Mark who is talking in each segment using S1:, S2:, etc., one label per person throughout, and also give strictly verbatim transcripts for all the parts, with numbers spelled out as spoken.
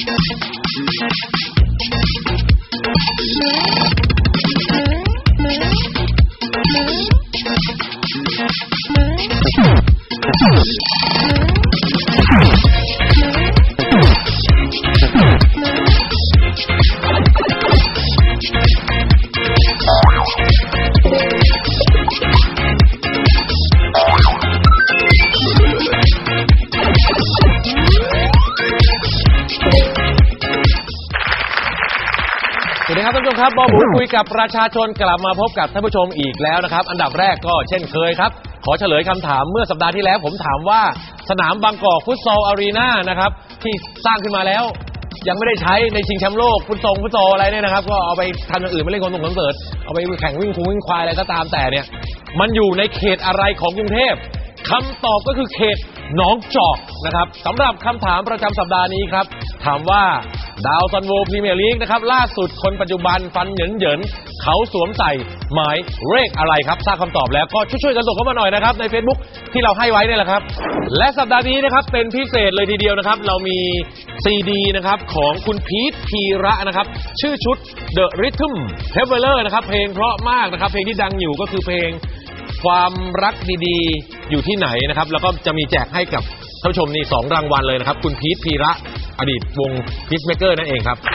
S1: สวัสดีครับท่านผู้ชมครับบอบูคุยกับประชาชนกลับมาพบกับท่านผู้ชมอีกแล้วนะครับอันดับแรกก็เช่นเคยครับขอเฉลยคำถามเมื่อสัปดาห์ที่แล้วผมถามว่าสนามบางกอกฟุตซอลอารีนานะครับที่สร้างขึ้นมาแล้วยังไม่ได้ใช้ในชิงแชมป์โลกฟุตซอลฟุตซอลอะไรเนี่ยนะครับก็เอาไปทำอย่างอื่นไม่เล่นคอนส่งคอนเสิร์ตเอาไปแข่งวิ่งคุ้งวิ่งควายอะไรก็ตามแต่เนี่ยมันอยู่ในเขตอะไรของกรุงเทพคำตอบก็คือเขตหนองจอกนะครับสำหรับคำถามประจำสัปดาห์นี้ครับถามว่าดาวซันโวพรีเมียร์ลีกนะครับล่าสุดคนปัจจุบันฟันเหยินเหยินเขาสวมใส่หมายเลขอะไรครับทราบคำตอบแล้วก็ช่วยๆกันส่งเข้ามาหน่อยนะครับใน Facebook ที่เราให้ไว้นี่แหละครับและสัปดาห์นี้นะครับเป็นพิเศษเลยทีเดียวนะครับเรามีซีดีนะครับของคุณพีทพีระนะครับชื่อชุด The Rhythm Traveler นะครับเพลงเพราะมากนะครับเพลงที่ดังอยู่ก็คือเพลงความรักดีๆอยู่ที่ไหนนะครับแล้วก็จะมีแจกให้กับท่านผู้ชมนี่สองรางวัลเลยนะครับคุณพีทพีระอดีตวง Peacemaker นั่นเองครับ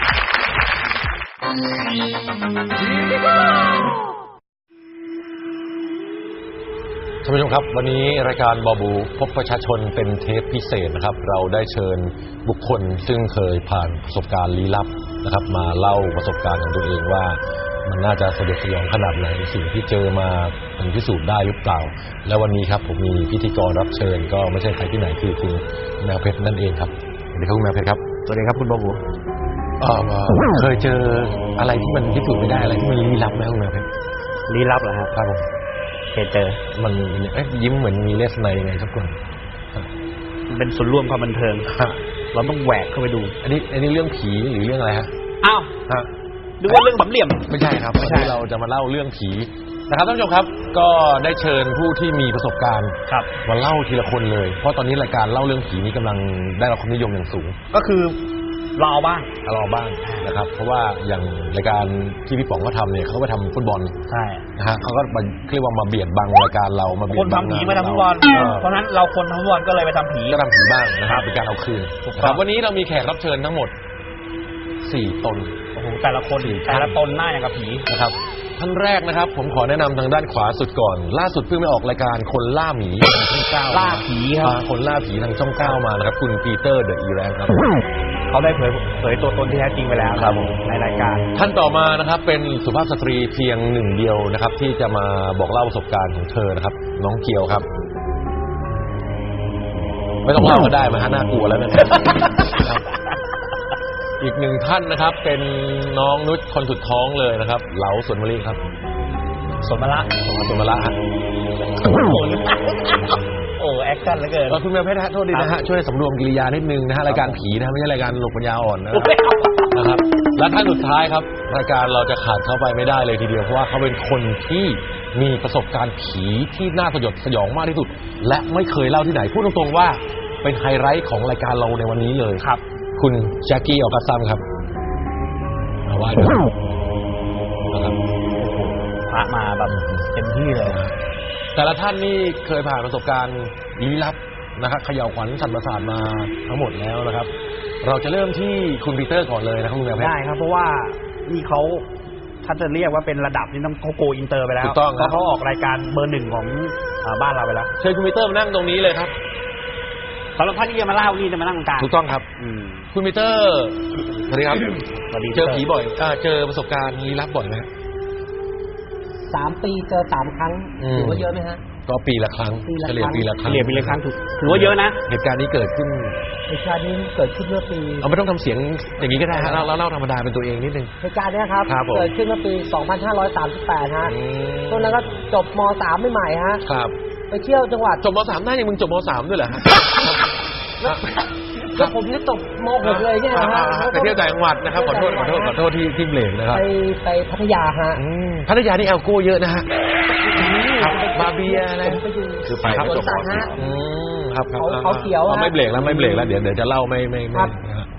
S1: ท่านผู้ชมครับวันนี้รายการบอบูพบประชาชนเป็นเทปพิเศษนะครับเราได้เชิญบุคคลซึ่งเคยผ่านประสบการณ์ลี้ลับนะครับมาเล่าประสบการณ์ของตัวเองว่ามันน่าจะสยดสยองขนาดไหนสิ่งที่เจอมามันพิสูจน์ได้หรือเปล่าและวันนี้ครับผมมีพิธีกรรับเชิญก็ไม่ใช่ใครที่ไหนคือคุณแมวเพชรนั่นเองครับสวัสดีครับคุณแมวเพชรครับสวัสดีครับคุณบอบูเออเคยเจออะไรที่มันพิสูจน์ไม่ได้อะไรที่มันลี้ลับไหมคุณแมวเพชร
S2: ลี้ลับเหรอครับครับผมเคยเจอ
S1: มันเอ๊ะยิ้มเหมือนมีเลสไนยังไงสักคน
S2: มันเป็นส่วนร่วมความบันเทิงเราต้องแหวกเข้าไปดู
S1: อันนี้อันนี้เรื่องผีหรือเรื่องอะไรฮะ
S2: อ้าวฮะดูว่าเรื่องสามเหลี่ยม
S1: ไม่ใช่ครับวันนี้เราจะมาเล่าเรื่องผีนะครับท่านผู้ชมครับก็ได้เชิญผู้ที่มีประสบการณ์มาเล่าทีละคนเลยเพราะตอนนี้รายการเล่าเรื่องผีนี้กำลังได้รับความนิยมอย่างสูง
S2: ก็คือเราบ้าง
S1: เราบ้างนะครับเพราะว่าอย่างรายการที่พี่ป๋องเขาทำเนี่ยเขาไปทำฟุตบอล
S2: ใช่
S1: นะฮะเขาก็เรียกว่ามาเบียดบังรายการเรามาเบียดบัง
S2: คนทำผีมาทำฟุตบอลเพราะนั้นเราคนทำฟุตบอลก็เลยไปทำผี
S1: ก็ทำผีบ้างนะครับเป็นการเอาคืนครับวันนี้เรามีแขกรับเชิญทั้งหมดสี่ตน
S2: โอ้โหแต่ละคนแต่ละตนหน้าอย่างกับผี
S1: นะครับท่านแรกนะครับผมขอแนะนำทางด้านขวาสุดก่อนล่าสุดเพิ่งไปออกรายการคนล่าหมีทางช่องเก้า
S2: ล่าผีครับ
S1: คนล่าผีทางช่องเก้ามานะครับคุณปีเตอร์เดอะอีแรงครับ
S2: เขาได้เผยเผยตัวตนที่แท้จริงไปแล้วครับในรายการ
S1: ท่านต่อมานะครับเป็นสุภาพสตรีเพียงหนึ่งเดียวนะครับที่จะมาบอกเล่าประสบการณ์ของเธอนะครับน้องเกียวครับไม่ต้องเล่าก็ได้มาฮะน่ากลัวแล้วนะครับอีกหนึ่งท่านนะครับเป็นน้องนุชคนสุดท้องเลยนะครับเหลาสวนมะลิครับ
S2: สวนมะละ
S1: สวนมะละฮะ
S2: โอ้แอคชั่นเหลือเกิน
S1: คุณแมวเพชรโทษดีนะฮะช่วยสำรวมกิริยานิดนึงนะฮะรายการผีนะไม่ใช่รายการหลบปัญญาอ่อนนะครับและท่านสุดท้ายครับรายการเราจะขาดเข้าไปไม่ได้เลยทีเดียวเพราะว่าเขาเป็นคนที่มีประสบการณ์ผีที่น่าสยดสยองมากที่สุดและไม่เคยเล่าที่ไหนพูดตรงๆว่าเป็นไฮไลท์ของรายการเราในวันนี้เลย
S2: ครับ
S1: คุณแจ็คกี้ออกัสซัมครับมาว่าด้วยนะครับ
S2: พามาแบบเต็มที่เลย
S1: แต่ละท่านนี่เคยผ่านประสบการณ์ลี้ลับนะครับเขย่าขวัญสั่นประสาทมาทั้งหมดแล้วนะครับเราจะเริ่มที่คุณปีเตอร์ก่อนเลยนะครับคุณแมวเพชร
S2: ได้ครับเพราะว่านี่เขาถ้าจะเรียกว่าเป็นระดับนี่ต้องเขาโกอินเตอร์ไปแล้ว
S1: ถูกต้อง
S2: เพราะเขาออกรายการเบอร์หนึ่งของบ้านเราไปแล้ว
S1: เชิญคุณปีเตอร์มานั่งตรงนี้เลยครับ
S2: สำหรับท่านที่จะมาเล่านี่จะมานั่งกลาง
S1: ถูกต้องครับคุณปีเตอร์สวัสดีครับเจอผีบ่อยเจอประสบการณ์ลี้ลับบ่อยไหม
S3: สามปีเจอสามครั้งถือว่าเยอะไหมฮะ
S1: ก็ปีละครั้งเฉลี่ยปีละครั้ง
S2: เฉลี่ยปีละครั้งถือว่าเยอะนะ
S1: เหตุการณ์นี้เกิดขึ้น
S3: เหตุการณ์นี้เกิดขึ้นเมื่อปี
S1: เอาไม่ต้องทำเสียงอย่างนี้ก็ได้ฮะเราเล่าธรรมดาเป็นตัวเองนิดนึง
S3: เหตุการณ์นี้ครับเกิดขึ้นเมื่อปีสองพันห้าร้อยสามสิบแปดฮะตอนนั้นก็จบม.สามใหม่ๆฮะ
S1: ครับ
S3: ไปเที่ยวจังหวัด
S1: จบม.สามได้ยังมึงจบม.สามด้วยเหรอฮะ
S3: แล้วผมนี่จบม.หกเลยเนี่ยนะฮะ
S1: ไปเที่ยวต่างจังหวัดนะครับขอโทษขอโทษขอโทษที่ที่เบรกนะครับ
S3: ไปไปพัทยาฮะ
S1: พัทยานี่แอลกอฮอล์เยอะนะฮะบาเบียอะไร
S3: คือไปครับจบ
S1: ครับ
S3: เขาเขียว
S1: ไม่เบรกแล้วไม่เบรกแล้วเดี๋ยวเดี๋ยวจะเล่าไม่ไม่ไม่
S3: ท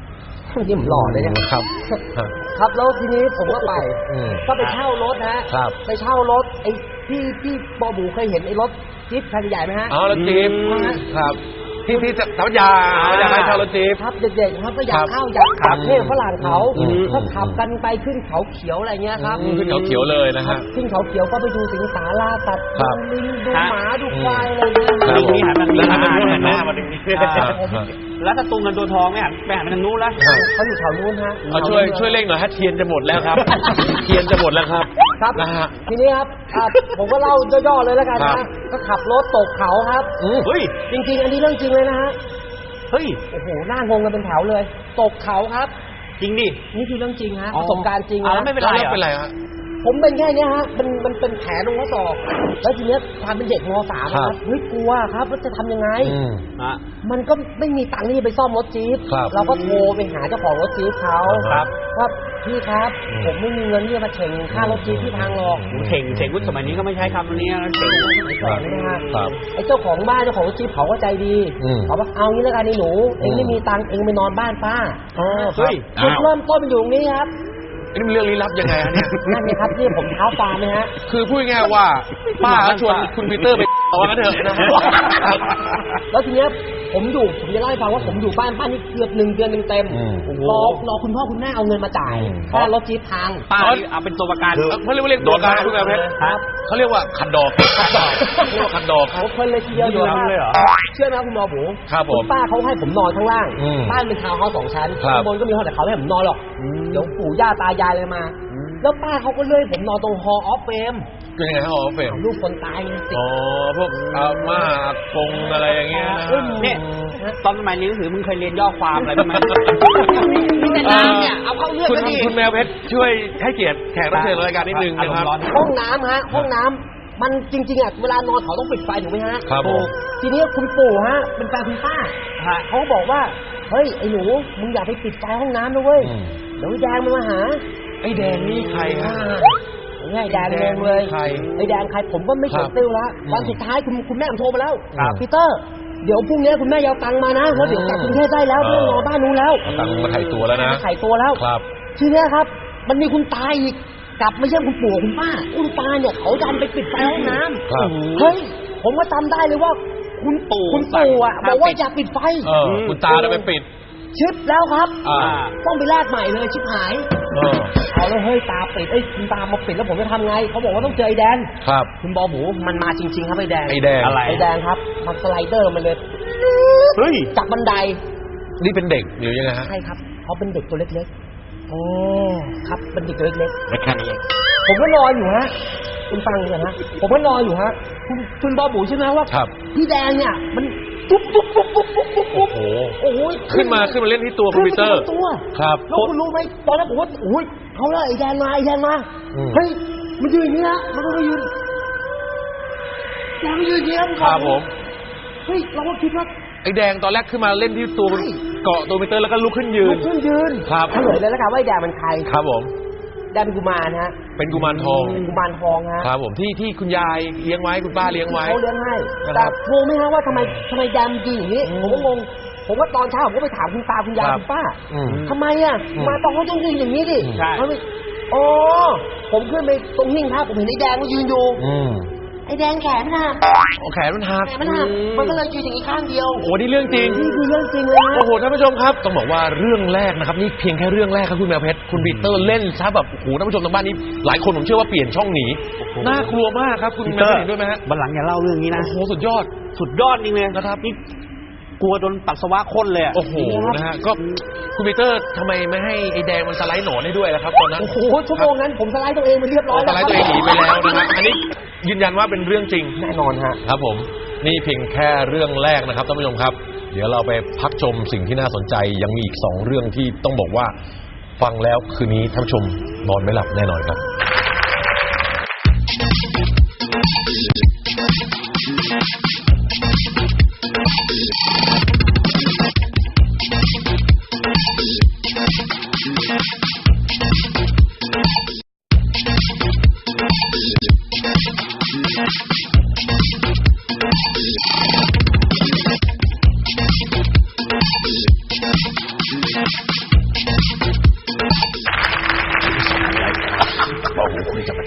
S3: นี่ผมหล่อเลยเนี่ย
S1: ครับ
S3: ครับแล้วทีนี้ผมก็ไป
S1: อืม
S3: ก็ไปเช่ารถนะฮะ
S1: ครับ
S3: ไปเช่ารถไอ้พี่พี่บอบูเคยเห็นไอ้รถจี๊ปคันใหญ่ไหมฮะ
S1: อ๋อรถจี๊ป
S3: อืม
S1: ครับที่ที่สัมปยาอยากให้เช่ารถจี๊ป
S3: ครับเด็กๆครับก็อยา
S1: ครั
S3: ก
S1: บ
S3: เข้าอยากขับเท่ฝรั่งเขา
S1: อืม
S3: ก็ขับกันไปขึ้นเขาเขียวอะไรเงี้ยครับ
S1: อืมขึ้นเขาเขียวเลยนะ
S3: ครั
S1: ฮะ
S3: บขึ้นเขาเขียวก็ไปดูสิงสาราตัด
S1: ครั
S3: ดู
S1: บ
S3: ลิงดู
S2: ฮะ
S3: หมาดูควายอะไรเงี้ย
S1: ครับ
S2: ลิงนี่หันมาลิงหันมาหันหน้ามาดิ
S1: ครับครับ
S2: แล้วถ้าตุงกันตัวทองไม่หันไปหันไปทางนู้นแล้ว
S3: เขาอยู่แถวนู้นฮะ
S1: เอาช่วยช่วยเร่งหน่อยฮะเทียนจะหมดแล้วครับ เทียนจะหมดแล้วครับ
S3: ครับ
S1: นะฮะ
S3: ทีนี้ครับอ่ะผมก็เล่าย่อๆเลยแล้วกัน
S1: ครั
S3: นะ
S1: บ
S3: ก็ขับรถตกเขาครับ
S1: อืม
S2: เฮ้ย
S3: จริงๆ อันนี้เรื่องจริงเลยนะฮะ
S2: เฮ้ย
S3: โอ้โหหน้างงกันเป็นแถวเลย ตกเขาครับ
S2: จริงดิ
S3: นี่คือเรื่องจริงฮะ
S2: อ๋
S3: ป
S2: อ
S3: ระสบการณ์จริง
S2: อ่ะ
S3: นะ
S2: แล้วไม่เป็นไร
S1: แล้วเป็นไรฮะ
S3: ผมเป็นแค่เนี้ยฮะมันมันเป็นแผลตรงข้อศอกแล้วทีเนี้ยความเป็นเด็กมสาม
S1: ครั
S3: ครับ บเฮ้ยกลัวครับว่าจะทำยังไง
S1: อืม
S2: อ่ะ
S3: มันก็ไม่มีตังค์ที่จะไปซ่อมรถจี๊ป
S1: ครับ
S3: เราก็โทรไปหาเจ้าของรถจี๊ปเขา
S1: ครับ
S3: ว่าพี่ครับ
S1: อืม
S3: ผมไม่มีเงินที่จะมาเฉ่งค่ารถจี๊ปที่พังหรอก
S1: อืม
S2: เฉ่งเฉ่งวุฒิสมัยนี้ก็ไม่ใช้คำนี้นะเฉ่ง
S3: แปลกนะฮะ
S1: ครับ
S3: ไอ้เจ้าของบ้านเจ้าของรถจี๊ปเขาก็ใจดี
S1: อืม
S3: เขาบอกเอางี้แล้วกันไอ้หนูเองไม่มีตังค์เองไปนอนบ้านป้า
S1: อ๋อค
S2: เฮ้
S1: รับ
S2: ย
S3: จุดเริ่มต้นมันอยู่ตรงนี้ครับ
S1: นี่มันเรื่องลี้ลับยังไงฮะเนี่ย
S3: นั่นไงครับที่ผมเท้าฟาร์มนะฮะ
S1: คือพูดง่ายๆว่าป้าเขาชวนคุณปีเตอร์ไปเอาว่ากันเถอะนะฮะ
S3: แล้วทีเนี้ยผมอยู่ผมจะเล่าให้ฟังว่าผมอยู่บ้านป้านี่เกือบหนึ่งเดือนเต็ม
S1: อืม
S3: ๆรอรอคุณพ่อคุณแม่เอาเงินมาจ่าย
S1: อืม
S3: ค่ารถจี๊ปพัง
S2: ป้านี่เอาเป็นตัวประกัน
S1: เขาเรียกว่าเรียกตัวการคุณแม่เพชร
S3: ครับ
S1: เขาเรียกว่าขัดดอกขัดดอกเรียกว่าขัดดอกครับ
S3: เขาเพลินเลยทีเดียวอยู่
S2: ทำเลยเหรอ
S3: เชื่อไหมครับคุณหมอหมู
S1: ครับผม
S3: ณป้าเขาให้ผมนอนข้างล่าง
S1: อืม
S3: บ้านเป็นทาวน์เฮาส์สองชั้น
S1: ครับ
S3: ข้างบนก็มีห้องแต่เขาไม่ให้ผมนอนหรอก
S2: อืม
S3: เดี๋ยวปู่ย่าตายายเลยมา
S2: อืม
S3: แล้วป้าเขาก็เลื่อยผมนอนตรงฮอออฟเฟม
S1: คือยังไงฮะอ๋อเฟรม
S3: ลูกคนตายไงติด
S1: อ๋อพวกอาม่าอากงอะไรอย่างเงี้ยนะ
S3: เอ้ย
S2: เนี่ยตอนสมัยเรียนหนังสือมึงเคยเรียนย่อความอะไรบ้างไหมมีแต่น้ำเนี่ยเอาเข้าเรื่อง
S1: คุณ
S2: ก็ดี
S1: คุณแมวเพชรช่วยให้เกียรติแขกรับเชิญรายการนิดนึงนะครับ
S2: อารมณ์ร้อน
S3: ห้องน้ำฮะห้องน้ำมันจริงๆอ่ะเวลานอนเขาต้องปิดไฟถูกไหมฮะ
S1: ครับผม
S3: ทีนี้คุณปู่ฮะเป็นแฟนคุณป้า
S2: ฮะ
S3: เขาบอกว่าเฮ้ยไอ้หนูมึงอย่าไปปิดไฟห้องน้ำนะเว้ย
S1: อืม
S3: เดี๋ยวไอ้แดงมันมาหา
S1: ไอ้แดงนี่ใครฮะ
S3: ง่ายแดงงงเลย
S1: ใคร
S3: ไอ้แดงใครผมก็ไม่เฉยติ้วแล้ว
S1: อืม
S3: วันสุดท้ายคุณคุณแม่ผมโทรมาแล้ว
S1: ครับ
S3: พีเตอร์เดี๋ยวพรุ่งนี้คุณแม่ยาวตังค์มานะแล้วเดี๋ยวกลับกรุงเทพได้แล้วไม่ต้องรอบ้านนู้นแล้ว
S1: เอาตังค์มาไถ่ตัวแล้วนะ
S3: มาไถ่ตัวแล้ว
S1: ครับ
S3: ทีเนี้ยครับ มันมีคุณตาอีกกลับไม่ใช่คุณปู่คุณป้าคุณตาเนี่ยเขาดันไปปิดไฟห้องน้
S1: ครับ
S3: ำเฮ้ยผมก็จำได้เลยว่า คุณปู่คุณปู่อ่ะ
S2: สั่
S3: บ
S2: ง
S3: อกว่า
S2: ปิด
S3: อย่าปิดไฟ
S1: เออคุณตาจะไปปิด
S3: ชิปแล้วครับ
S1: อ่า
S3: ต้องไปแลกใหม่เลยชิปหาย
S1: เออ
S3: เอาแล้วเฮ้ยตาปิดเอ้ยคุณตามาปิดแล้วผมจะทำไงเขาบอกว่าต้องเจอไอ้แดง
S1: ครับ
S3: คุณบอหมูมันมาจริง ๆ ครับไอ้แดง
S1: ไอ้แดง
S2: อะไร
S3: ไอ้แดงครับมันสไลเดอร์มันเลย
S2: เฮ้ย
S3: จากบันได
S1: นี่เป็นเด็กหรือยังไงฮะ
S3: ใช่ครับเขาเป็นเด็กตัวเล็กๆโอ้ครับเป็นเด็กตัวเล็ก
S2: แค่นี้เอง
S3: ๆผมก็นอนอยู่ฮะคุณฟังก่อนฮะผมก็นอนอยู่ฮะคุณคุณบอหมูใช่ไหมว่า
S1: ครับ
S3: พี่แดงเนี่ยมันปุ๊บปุ๊บปุ๊บปุ๊บปุ๊บปุ๊บปุ๊บ
S1: โอ้โห
S3: โอ้ย
S1: ขึ้นมาขึ้นมาเล่นที่ตัวคอมพิวเตอร์
S3: ขึ้นมาตัว
S1: ครับ
S3: แล้วคุณรู้ไหมตอนนั้นผมว่าโอ้ยเขาเลยไอ้แดงมาไอ้แดงมา
S1: อืม
S3: เฮ้ยมันยืนอย่างนี้นะมันก็มายืนแดงมันยืนอย่างนี้
S1: ครับผม
S3: เฮ้ยเราก็คิดว่า
S1: ไอ้แดงตอนแรกขึ้นมาเล่นที่ตัว
S3: ใช่
S1: เกาะตัวคอมพิวเตอร์แล้วก็ลุกขึ้นยื
S3: ลุ
S1: น
S3: กขึ้นยืน
S1: ครับ
S3: เฉลยเลยแล้วกันว่าไอ้แดงมันใคร
S1: ครับผม
S3: แดงเป็นกุมารฮะ
S1: เป็นกุมารทอง
S3: เป็นกุมารทองฮะ
S1: ครับผมที่ที่คุณยายเลี้ยงไว้คุณป้าเลี้ยงไว้
S3: เขาเลี้ยงให้
S1: นะครับ
S3: แต่งงไหมฮะว่าทำไมทำไมแดงมันยืนอย่างนี้
S1: อืม
S3: ผมก็งงผมว่าตอนเช้าผมก็ไปถามคุณตาคุณยาย
S1: ครับ
S3: คุณป้า
S1: อืม
S3: ทำไมอ่ะ
S1: อืม
S3: มาตอนเขาต้องยืนอย่างนี้ดิ
S2: ใช่
S3: เขาไม่อ๋อผมขึ้นไปตรงหิ้งพระผมเห็นไอ้แดงมันยืนอยู่
S1: อืม
S3: ไอ้แดงแขนมันหัก
S1: โอ้แขนมันหัก
S3: แขนมันหักมันก็เลยยืนอย่างนี้ข้างเดียว
S1: โอ้นี่เรื่องจริง
S3: นี่คือเรื่องจริงเลยนะ
S1: โอ้โหท่านผู้ชมครับต้องบอกว่าเรื่องแรกนะครับนี่เพียงแค่เรื่องแรกครับคุณแมวเพชรคุณปีเตอร์เล่นซะแบบโอ้โหท่านผู้ชมทางบ้านนี้หลายคนผมเชื่อว่าเปลี่ยนช่องหนีน่ากลัวมากครับคุณแมวเพชรเห็นด้วยไหมฮะ
S2: บันหลังอย่าเล่าเรื่องนี้นะ
S1: โอ้โหสุดยอด
S2: สุดยอดจริงเลย
S1: นะครับ
S2: นี่กลัวโดนปัสสาวะข้นเลยอะ
S1: โอ้โหนะฮะก็คุณปีเตอร์ทำไมไม่ให้ไอ้แดงมันสไลด์หนอนให้ด้วยล่ะครับตอนนั้น
S3: โอ้โหชั่วโมงนั้นผมสไลด์ตัวเองไปเรียบร้
S1: อ๋
S3: อ
S1: อย สไลด์ตัวเองหนีไปแล้วนะฮะอันนี้ยืนยันว่าเป็นเรื่องจริง
S3: แน่นอนฮะ
S1: ครับผมนี่เพียงแค่เรื่องแรกนะครับท่านผู้ชมครับ เดี๋ยวเราไปพักชมสิ่งที่น่าสนใจยังมีอีกสองเรื่องที่ต้องบอกว่าฟังแล้วคืนนี้ท่านผู้ชมนอนไม่หลับแน่นอนครับ
S4: Thank you.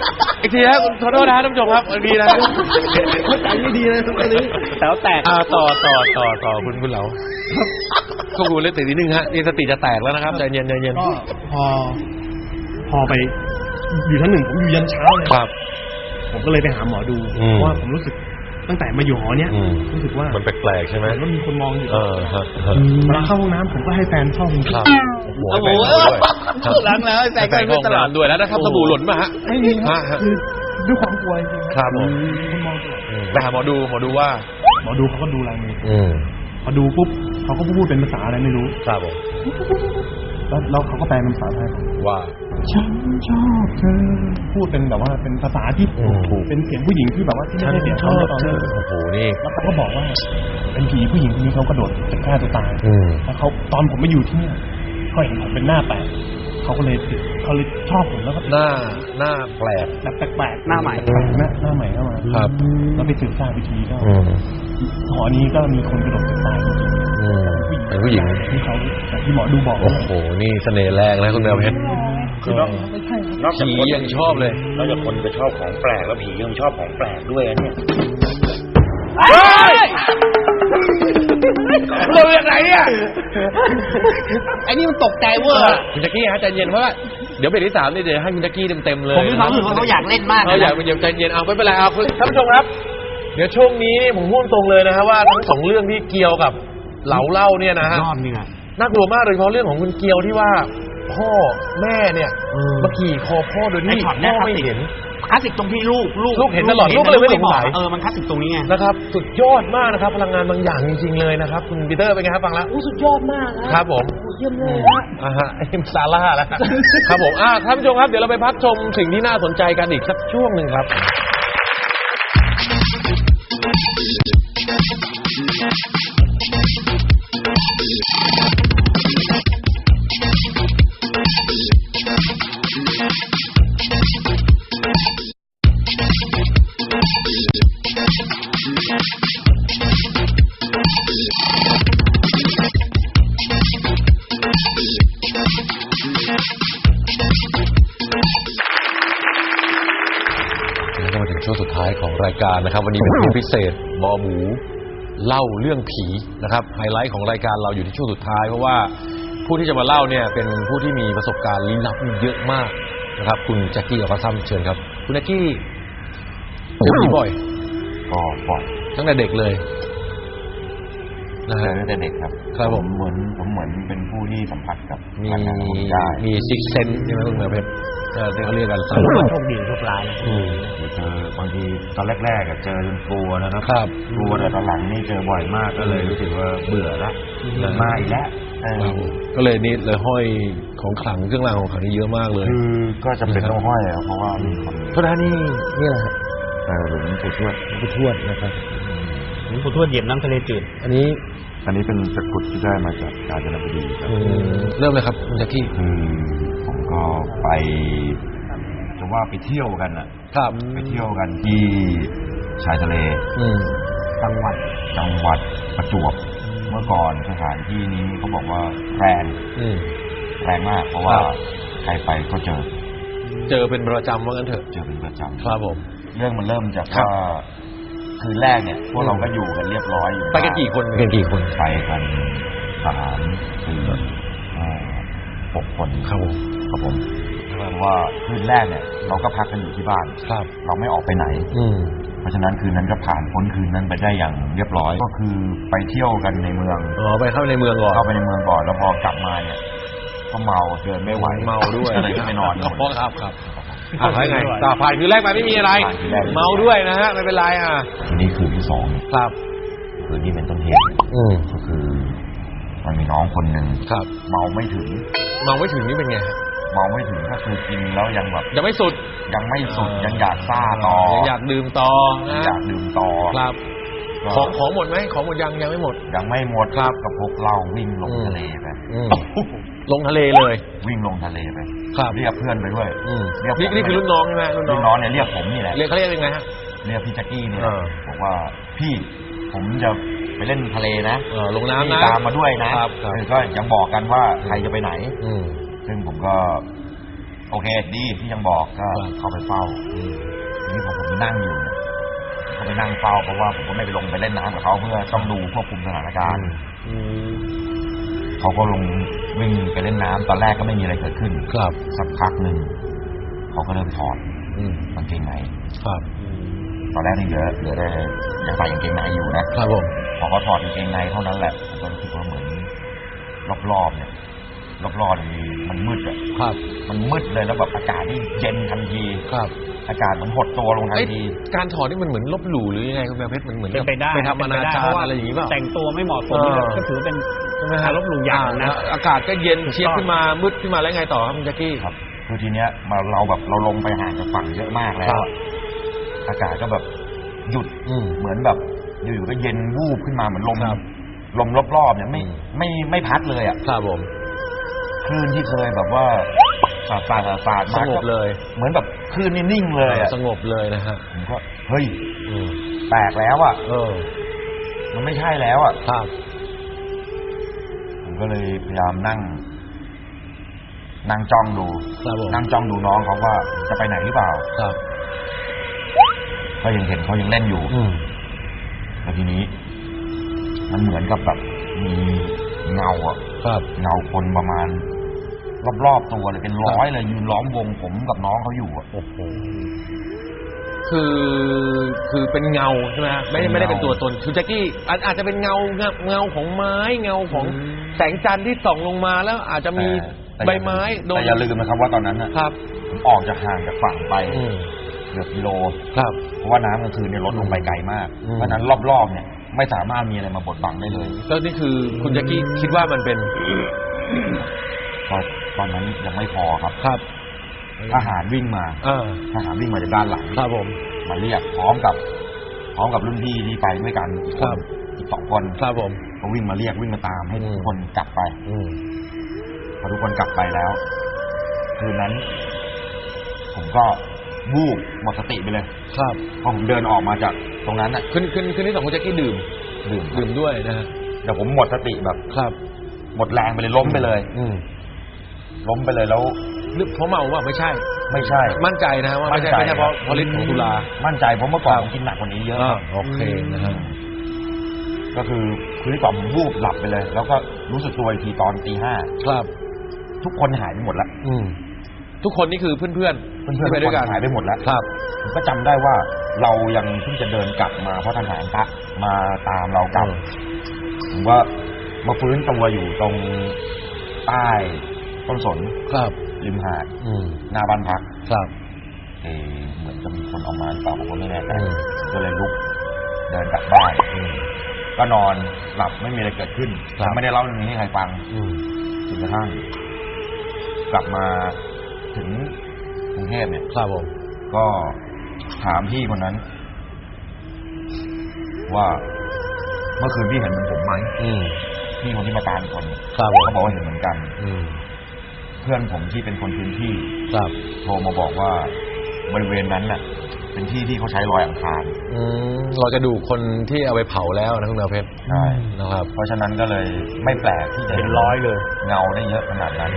S1: อีกทีครับขอโทษนะท่านผู้ชมครับอีกทีนะเข้าใจไม่ดีเลยตรงนี้
S2: แต่ว่าแตก
S1: อ่าต่อต่อต่อต่อคุณคุณเหลาควบคุมเรื่องสตินิดนึงฮะนี่สติจะแตกแล้วนะครับใจเย็นใจเย็น
S5: ก็พอ พอไปอยู่ชั้นหนึ่งผมอยู่ยันเช้าเลย
S1: ครับ
S5: ผมก็เลยไปหาหมอดู
S1: อืม
S5: เพราะว่าผมรู้สึกตั้งแต่มาอยู่หอเนี้ย
S1: อืม
S5: รู้สึกว่า
S1: มันแปลกๆใช่ไหม
S5: เหมือนว่ามีคนมองอยู่
S1: เออฮะฮะ
S5: เวลาเข้าห้องน้ำผมก็ให้แฟนเข้าห้อง
S1: ครับ
S2: โอ้โห
S1: ครับ
S2: ล้างแล้วแฟนก็
S1: เข้าห้อง
S2: ตลอด
S1: น้ำด้วยแล้วนะครับสบู่หล่นป่ะฮะ
S5: ไม่มีค
S1: ฮะ
S5: รับ
S1: ฮะ
S5: คือด้วยความกลัวจริงๆ
S1: ครับผม
S5: คนมองตลอด
S1: อืมไปหาหมอดูหมอดูว่า
S5: หมอดูเขาก็ดูลายมือ
S1: อืม
S5: พอดูปุ๊บเขาก็พูดเป็นภาษาอะไรไม่รู้
S1: ครับผม
S5: แล้วแล้วเขาก็แปลเป็นภาษาไทย
S1: ว่า
S5: ฉันชอบเธอพูดเป็นแบบว่าเป็นภาษาที่
S1: อืม
S5: เป็นเสียงผู้หญิงที่แบบว่าที่ไม่ใช่เสียงเขาในตอนนั้น
S1: โอ้โหนี่
S5: แล้วเขาก็บอกว่าเป็นผีผู้หญิงคนนี้เขากระโดดจะฆ่าตัวตาย
S1: อืม
S5: แล้วเขาตอนผมมาอยู่ที่เนี่ยเขาเห็นผมเป็นหน้าแปลกเขาก็เลยติดเขาเลยชอบผมแล้วก็ติด
S1: หน้าหน้าแปลก
S5: แบบแปลกๆ
S2: หน้าใหม่
S5: หน้าหน้าใหม่เข้ามา
S1: ครับ
S5: แล้วไปสืบทราบวิธีก็
S1: อืม
S5: หอนี้ก็มีคนกระโดดตึกตายจริง
S1: อืม
S5: ๆ
S1: เป็นผู้หญิง
S5: ที่เขาอย่างที่หมอดูบอก
S1: โอ้โหนี่เสน่ห์แรงนะคุณแมวเพชร
S5: คือเราไม่ใช่ครับ
S1: ผียังชอบเลย
S6: นอกจากคนจะชอบของแปลกแล้วผียังชอบของแปลกด้วยนะเนี่ย
S1: เราอย่างไรเนี่ย
S2: ไอ้นี่มันตกใจเวอร์
S1: คุณแจ็คกี้ฮะใจเย็นเพราะว่าเดี๋ยวเบรกที่สามนี่เดี๋ยวให้คุณแจ็คกี้เต็มๆเลย
S2: ผมมีความรู้สึกว่าเขาอยากเล่นมาก
S1: เขาอยากเป็นใจเย็นเอาไม่เป็นไรเอาคุณท่านผู้ชมครับ เดี๋ยวช่วงนี้นี่ผมพูดตรงเลยนะฮะว่าทั้งสองเรื่องที่เกี่ยวกับเหลาเล่าเนี่ยนะฮะ
S2: รอบนึงอ่ะ
S1: น่ากลัวมากโดยเฉพาะเรื่องของคุณเกียวที่ว่าพ่อแม่เนี่ยมาขี่คอพ่อโดยที่
S2: ไอ้ช็อตเนี่
S1: พ่
S2: ย
S1: อไม่เห็น
S2: คลาสสิกตรงที่ลูกลูก
S1: ลูกเห็นตลอดลูกก็เลยไม่สงสัย
S2: เออมันคลาสสิกตรงนี้ไง
S1: นะครับสุดยอดมากนะครับพลังงานบางอย่างจริง ๆ เลยนะครับคุณปีเตอร์เป็นไงครับฟังแล้ว
S3: โอ้สุดยอดมากนะครับ
S1: ผม
S3: โอ้เยี่ยมเลยฮะ
S1: อ่าฮะไอ้ซาร่าแล้วครับผมอ่าท่านผู้ชมครับเดี๋ยวเราไปพักชมสิ่งที่น่าสนใจกันอีกสักช่วงหนึ่งครับ แล้วก็มาถึงช่วงสุดท้ายของรายการนะครับ วันนี้เป็นช่วงพิเศษหมอหมูเล่าเรื่องผีนะครับไฮไลท์ของรายการเราอยู่ที่ช่วงสุดท้ายเพราะว่าผู้ที่จะมาเล่าเนี่ยเป็นผู้ที่มีประสบการณ์ลี้ลับเยอะมากนะครับคุณแจ็คกี้อัลฟาซัมเชิญครับคุณแจ็คกี้เจอผีบ่อย
S6: ก็ปล่อย
S1: ตั้งแต่เด็กเลยนะ
S6: เจ
S1: ฮะ
S6: อตั้งแต่เด็กครับ
S1: ครับผม
S6: เหมือนผมเหมือนเป็นผู้ที่สัมผัสกับ
S1: มี
S6: พลังงานของได้
S1: มีซิกเซนใช่ไหมคุณแมวเพชรเออที่เขาเรียกกันสาม
S3: โชคดีโชคร้าย
S1: อืม
S6: เจอบางทีตอนแรกๆอะเจอจนกลัวนะครับ กลัวแต่ตอนหลังนี่เจอบ่อยมากก็เลยรู้สึกว่าเบื่อละมาอีกแล้วเออ
S1: ครับผมก็เลยนี่เลยห้อยของขลังเครื่องรางของขลังนี่เยอะมากเลย
S6: คือก็จำเป็นต้องห้อยอะเพราะว่ามีคน
S1: โทษนะนี่นี่อะไรฮะ
S6: เออหลวงปู่ทวด
S1: ผู้ทวดนะครับ
S2: ผมขอโทษเหยียบน้ำทะเลจืด
S1: อันนี้
S6: อันนี้เป็นตะกรุดที่ได้มาจากกาญจนบุรีครับ
S1: อืมเริ่มเลยครับคุณแจ็คกี้
S6: คือผมก็ไปจะว่าไปเที่ยวกันอะ
S1: ครับ
S6: ไปเที่ยวกันที่ชายทะเล
S1: อืม
S6: จังหวัดจังหวัดประจวบเมื่อก่อนสถานที่นี้เขาบอกว่าแรง
S1: อืม
S6: แรงมาก เพราะว่า
S1: ครับ
S6: ใครไปก็เจอ
S1: เจอเป็นประจำว่างั้นเถอะ
S6: เจอเป็นประจำ
S1: ครับผม
S6: เรื่องมันเริ่มจาก
S1: ครับ
S6: ว่าคืนแรกเนี่ย พวกเราก็อยู่กันเรียบร้อยอยู่
S1: ไปกันกี่คนไปกันกี่คน
S6: ไปกันสามสี่ห้าหกคน
S1: ครับผม
S6: ครับผมเพราะว่าคืนแรกเนี่ย เราก็พักกันอยู่ที่บ้าน
S1: ครับ
S6: เราไม่ออกไปไหน
S1: อืม
S6: เพราะฉะนั้นคืนนั้นก็ผ่านพ้นคืนนั้นไปได้อย่างเรียบร้อย ก็คือไปเที่ยวกันในเมือง
S1: อ๋อไปเข้าในเมืองก่อน
S6: เข้าไปในเมืองก่อนแล้วพอกลับมาเนี่ยก็เมาเดินไม่ไหว
S1: เมาด้วย
S6: ก็เลยไปนอน
S1: อ๋อครับครับอ่าใช่ไงต่อผ่านคืนแรกไปไม่มีอะไร
S6: ผ่านคืนแรก
S1: เมาด้วยนะฮะไม่เป็นไรอ่ะ
S6: ทีนี้คืนที่สอง
S1: ครับ
S6: คืนที่เป็นต้นเหตุ
S1: อืม
S6: ก็คือ มันมีน้องคนหนึ่ง
S1: ครับ
S6: เมาไม่ถึง
S1: เมาไม่ถึงนี่เป็นไงฮะ
S6: เมาไม่ถึงก็คือกินแล้วยังแบบ
S1: ยังไม่สุด
S6: ยังไม่สุดยังอยากซ่าต่อ
S1: ยังอยากดื่มต่อ
S6: ยัง
S1: นะ
S6: อยากดื่มต่อ
S1: ครับ
S6: ก็
S1: ของของหมดไหมของหมดยังยังไม่หมด
S6: ยังไม่หมด
S1: ครับ
S6: ก็พกเหล้าวิ่งลง
S1: อืม
S6: ทะเลไป
S1: อืมลงทะเลเลย
S6: วิ่งลงทะเลไป
S1: ครับ
S6: เรียกเพื่อนไปด้วย
S1: อืม
S6: เรียกผม
S1: นี่นี่คือรุ่นน้องใช่ไหมรุ่นน้
S6: รุ่
S1: อง
S6: นน้องเนี่ยเรียกผมนี่แหละ
S1: เรียกเขาเรียกยังไงฮะ
S6: เรียกพี่แจ็คกี้เนี่ย
S1: เออ
S6: บอกว่าพี่ผมจะไปเล่นทะเลนะ
S1: เออลงน้ำ
S6: พี่
S1: นะ
S6: ตามมาด้วยนะครับ
S1: ครับ
S6: เออก็ยังบอกกันว่าใครจะไปไหน
S1: อืม
S6: ซึ่งผมก็โอเคดีที่ยังบอกก็เข้าไปเฝ้าทีนี้พอผมนั่งอยู่เนี่ยเขาไปนั่งเฝ้าเพราะว่าผมก็ไม่ไปลงไปเล่นน้ำกับเขาเพื่อต้องดูควบคุมสถานการณ์เขาก็ลงวิ่งไปเล่นน้ำตอนแรกก็ไม่มีอะไรเกิดขึ้นครับสักพักหนึ่งเขาก็เริ่มถอดกางเกงในครับตอนแรกนี่เหลือเหลือแต่ยังใส่กางเกงในอยู่นะครับผมพอเขาถอดกางเกงในเท่านั้นแหละผมก็รู้สึกว่าเหมือนรอบๆเนี่ยรอบๆมันมันมืดอ่ะครับมันมืดเลยแล้วแบบอากาศนี่เย็นทันทีครับอากาศมันหดตัวลงทันทีการถอดนี่มันเหมือนลบหลู่หรือยังไงคุณแมวเพชรมันเหมือนไปได้ไปทำอนาจารอะไรอย่างนี้ป่ะแต่งตัวไม่เหมาะสมก็ถือเป็นการลบหลู่อย่างนะอากาศก็เย็นเชียบขึ้นมามืดขึ้นมาแล้วไงต่อครับคุณแจ็คกี้ครับคือทีเนี้ยมาเราแบบเราลงไปห่างจากฝั่งเยอะมากแล้วอากาศก็แบบหยุดเหมือนแบบอยู่ๆก็เย็นวูบขึ้นมาเหมือนลมลมรอบๆเนี่ยไม่ไม่ไม่พัดเลยอ่ะครับผมคลื่นที่เคยแบบว่าสาดสาดสาดมาสงบเลยเหมือนแบบคลื่นนี่นิ่งเลยอ่ะสงบเลยนะฮะผมก็เฮ้ยแปลกแล้วอ่ะเออมันไม่ใช่แล้วอ่ะครับผมก็เลยพยายามนั่งนั่งจ้องดูนั่งจ้องดูน้องเขาว่าจะไปไหนหรือเปล่าครับก็ยังเห็นเขายังเล่นอยู่แล้วทีนี้มันเหมือนกับแบบมีเงาอ่ะครับเงาคนประมาณรอบๆตัวเลยเป็นร้อยเลยยืนล้อมวงผมกับน้องเขาอยู่อ่ะโอ้โหคือคือเป็นเงาใช่ไหมฮะไม่ไม่ได้เป็นตัวตนคือแจ็คกี้อาจจะเป็นเงาเงาของไม้เงาของแสงจันทร์ที่ส่องลงมาแล้วอาจจะมีใบไม้โดนแต่อย่าลืมนะครับว่าตอนนั้นนะครับผมออกจากห่างจากฝั่งไปเกือบกิโลครับเพราะว่าน้ำกลางคืนเนี่ยลดลงไปไกลมากเพราะนั้นรอบๆเนี่ยไม่สามารถมีอะไรมาบดบังได้เลยแล้วนี่คือคุณแจ็คกี้คิดว่ามันเป็นตอนตอนนั้นยังไม่พอครับครับทหารวิ่งมาทหารวิ่งมาจากด้านหลังครับผมมาเรียกพร้อมกับพร้อมกับรุ่นพี่ที่ไปด้วยกันอีกคนอีกสองคนครับผมเขาวิ่งมาเรียกวิ่งมาตามให้ทุกคนกลับไปพอทุกคนกลับไปแล้วคืนนั้นผมก็วูบหมดสติไปเลยครับพอผมเดินออกมาจากตรงนั้นอ่ะคืนคืนคืนที่สองคุณแจ็คกี้ดื่มดื่มดื่มด้วยนะฮะแต่ผมหมดสติแบบครับหมดแรงไปเลยล้มไปเลยอืล้มไปเลยแล้วเพราะเมาว่าไม่ใช่ไม่ใช่มั่นใจนะว่าไม่ใช่ไม่ใช่เพราะเพราะฤทธิ์ของสุรามั่นใจเพราะเมื่อก่อนผมกินหนักกว่านี้เยอะโอเคนะฮะก็คือคืนที่สองผมวูบหลับไปเลยแล้วก็รู้สึกตัวอีกทีตอนตีห้าครับทุกคนหายไปหมดแล้วทุกคนนี่คือเพื่อนเพื่อนเพื่อนไปด้วยกันหายไปหมดแล้วครับผมก็จำได้ว่าเรายังเพิ่งจะเดินกลับมาเพราะทหารพระมาตามเรากลับผมว่ามาฟื้นตัวอยู่ตรงใต้ต้นสนครับริมหาดหน้าบ้านพักครับเออเหมือนจะมีคนเอามาหรือเปล่าผมก็ไม่แน่ใจก็เลยลุกเดินกลับบ้านก็นอนหลับไม่มีอะไรเกิดขึ้นไม่ได้เล่าเรื่องนี้ให้ใครฟังจนกระทั่งกลับมาถึงกรุงเทพเนี่ยครับผมก็ถามพี่คนนั้นว่าเมื่อคืนพี่เห็นเหมือนผมไหมพี่คนที่มาตามคนเขาบอกว่าเห็นเหมือนกันเพื่อนผมที่เป็นคนพื้นที่โทรมาบอกว่าบริเวณนั้นน่ะเป็นที่ที่เขาใช้ลอยอังคารเราจะดูคนที่เอาไปเผาแล้วนะคุณแมวเพชรใช่นะครับเพราะฉะนั้นก็เลยไม่แปลกที่จะเป็นร้อยเลยเงาได้เยอะขนาดนั้น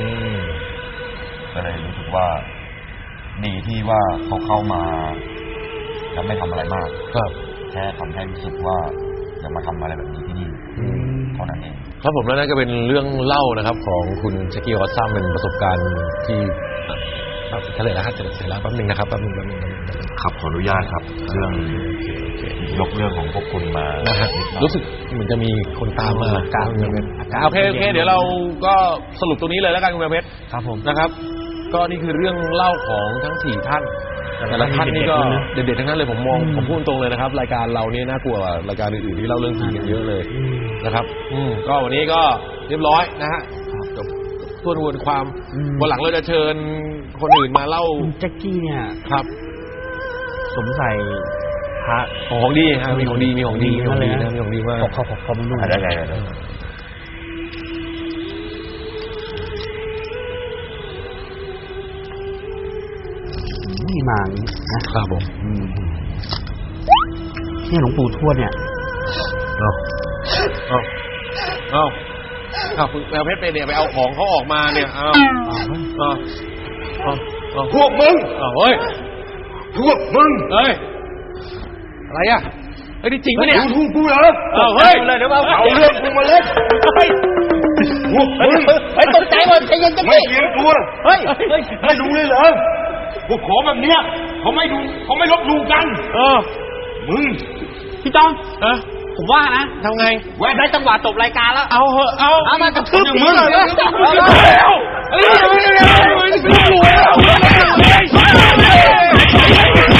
S6: ก็เลยรู้สึกว่าดีที่ว่าเขาเข้ามาแล้วไม่ทำอะไรมากครับแค่ทำให้รู้สึกว่าจะมาทำอะไรแบบนี้ที่นี่เท่านั้นเองครับผมแล้วนั่นก็เป็นเรื่องเล่านะครับของคุณแจ็คกี้วอตซัมเป็นประสบการณ์ที่เฉลยแล้วครับเฉลยแล้วแป๊บนึงนะครับแป๊บนึงแป๊บนึงครับขออนุญาตครับเรื่องยกเรื่องของพวกคุณมารู้สึกเหมือนจะมีคนตามมาการเงินโอเคโอเคเดี๋ยวเราก็สรุปตรงนี้เลยแล้วกันคุณแมวเพชรครับผมนะครับก็นี่คือเรื่องเล่าของทั้งสี่ท่านแต่ละท่านนี่ก็เด็ดๆทั้งนั้นเลยผมมองผมพูดตรงเลยนะครับรายการเรานี่น่ากลัวรายการอื่นๆที่เล่าเรื่องผีกันเยอะเลยนะครับอืมก็วันนี้ก็เรียบร้อยนะฮะจบทวนวนความวันหลังเราจะเชิญคนอื่นมาเล่าแจ็คกี้เนี่ยครับสมใส่พระของดีฮะมีของดีมีของดีมีของดีนะมีของดีมากขอบขอบขอบคุณด้วยได้ไงนี่มานะครับผมนี่หลวงปู่ทวดเนี่ยเอาเอาเอาเอาคุณแมวเพชรไปเนี่ยไปเอาของเขาออกมาเนี่ยเอาเอาพวกมึง
S1: เฮ้ย
S6: พวกมึง
S1: เฮ้ย อะไรอ่ะเฮ้ยนี่จริงปะเนี่ย
S6: ดูกูเหรอ
S1: เฮ้ย
S2: เลยเดี๋ยวเอา
S6: เอาเรื่องกูมาเล่นพวกมึง
S2: เฮ้ยตกใจหมดใจเย็นจัง
S6: ไม่
S2: ดิ
S6: เลี้ยงตัว
S2: เฮ้ยเฮ้ย
S6: ไม่ดูเลยเหรอพวกขอแบบเนี้ยเขาไม่ดูเขาไม่ลบดูกัน
S1: เออ
S6: มึง
S2: พี่จอง
S1: เออ
S2: ผมว่านะ
S1: ทำไง
S2: แวะได้จังหวะจบรายการแล้ว
S1: เอาเหอะเอา
S2: เอามากระทืบ
S1: อย่าง
S2: ผี
S1: มึง
S2: หน่อย
S1: แล้ว
S2: แล้ว
S1: เฮ้ยเฮ้ยเฮ้ยเฮ้ยเฮ้ย